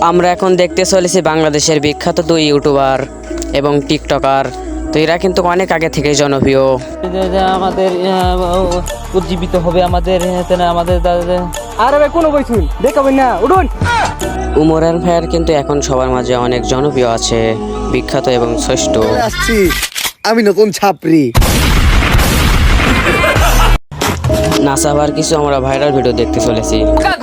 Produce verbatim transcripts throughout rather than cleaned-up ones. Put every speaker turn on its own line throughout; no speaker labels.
আমরা এখন দেখতে চলেছি বাংলাদেশের বিখ্যাত দুই ইউটিউবার এবং টিকটকার। তো এরা কিন্তু অনেক আগে থেকে জনপ্রিয়।
আমাদের উজ্জীবিত হবে আমাদের আমাদের
আরে ভাই কোনো বইছুন দেখাবেন না উঠুন।
উমরান ভাইয়ার কিন্তু এখন সবার মাঝে অনেক জনপ্রিয় আছে, বিখ্যাত এবং শ্রেষ্ঠ।
আসছি আমি নতুন ছাপরি।
নাসাবার কিছু আমরা ভাইরাল ভিডিও দেখতে চলেছি।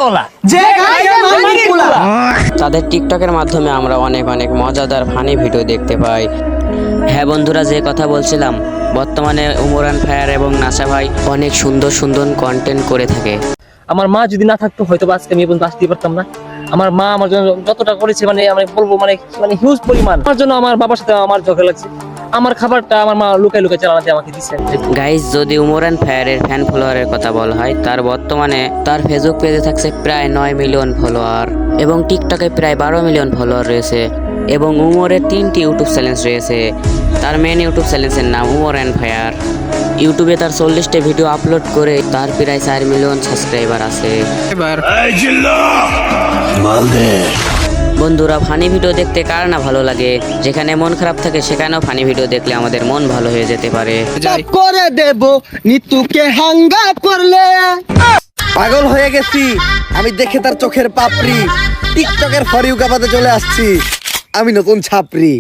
তাদের টিকটকের মাধ্যমে আমরা অনেক অনেক মজাদার ফানি ভিডিও দেখতে পাই। হ্যাঁ বন্ধুরা, যে কথা বলছিলাম, বর্তমানে উমরান ভাইয়ার এবং নাসা ভাই অনেক সুন্দর সুন্দর কন্টেন্ট করে থাকে।
আমার মা যদি না থাকতো হয়তো আজকে আমি পর্যন্ত আসতে পারতাম না। আমার মা আমার জন্য যতটা করেছে মানে আমি বলবো মানে মানে হিউজ পরিমাণ। আমার জন্য আমার বাবার সাথে আমার ঝগড়া লাগছে। আমার খাবারটা আমার মা লুকাই লুকাই চালাতে আমাকে দিচ্ছে।
গাইজ, যদি উমরান ভাইয়ারের ফ্যান ফলোয়ারের কথা বলা হয়, তার বর্তমানে তার ফেসবুক পেজে থাকছে প্রায় নয় মিলিয়ন ফলোয়ার এবং টিকটকে প্রায় বারো মিলিয়ন ফলোয়ার রয়েছে এবং উমরের তিনটি ইউটিউব চ্যানেল রয়েছে। তার মেন ইউটিউব চ্যানেলের নাম উমরান ভাইয়ার। ইউটিউবে তার চল্লিশটা ভিডিও আপলোড করে তার প্রায় চার মিলিয়ন সাবস্ক্রাইবার আছে। বন্ধুরা, ফানি ভিডিও দেখতে কার না ভালো লাগে? যেখানে মন খারাপ থাকে সেখানেও ফানি ভিডিও দেখলে আমাদের মন ভালো হয়ে যেতে পারে।
করে দেব নিতুকে হাঙ্গা করলে পাগল হয়ে গেছি আমি দেখে তার চোখের পাপড়ি। টিকটকের ফর ইউ গাবাতে চলে আসছি আমি নতুন ছাপরি।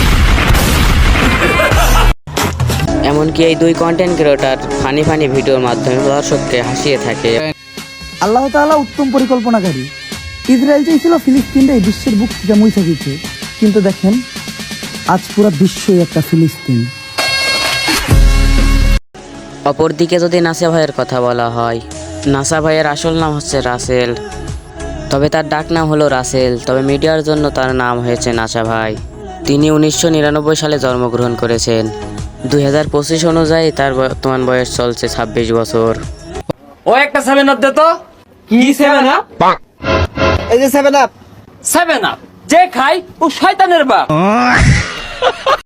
এমনকি এই দুই কন্টেন্ট ক্রিয়েটর ফানি ফানি ভিডিওর মাধ্যমে দর্শককে হাসিয়ে থাকে।
আল্লাহ তাআলা উত্তম পরিকল্পনাকারী। ইসরায়েল চাইছিল ফিলিস্তিনটা এই বিশ্বের বুক থেকে মুছে দিতে, কিন্তু দেখেন আজ পুরো বিশ্বই একটা ফিলিস্তিন।
অপরদিকে যদি নাসা ভাইয়ের কথা বলা হয়, নাসা ভাইয়ের আসল নাম হচ্ছে রাসেল, তবে তার ডাক নাম হলো রাসেল। তবে মিডিয়ার জন্য তার নাম হয়েছে নাসা ভাই। তিনি উনিশশো নিরানব্বই সালে জন্মগ্রহণ করেছেন। দুই হাজার পঁচিশ অনুযায়ী তার বর্তমান বয়স চলছে ছাব্বিশ বছর।
ও একটা সেভেন আপ দে তো। কি সেভেন আপ?
এই যে সেভেন আপ।
সেভেন আপ যে খাই ও শয়তানের বাপ।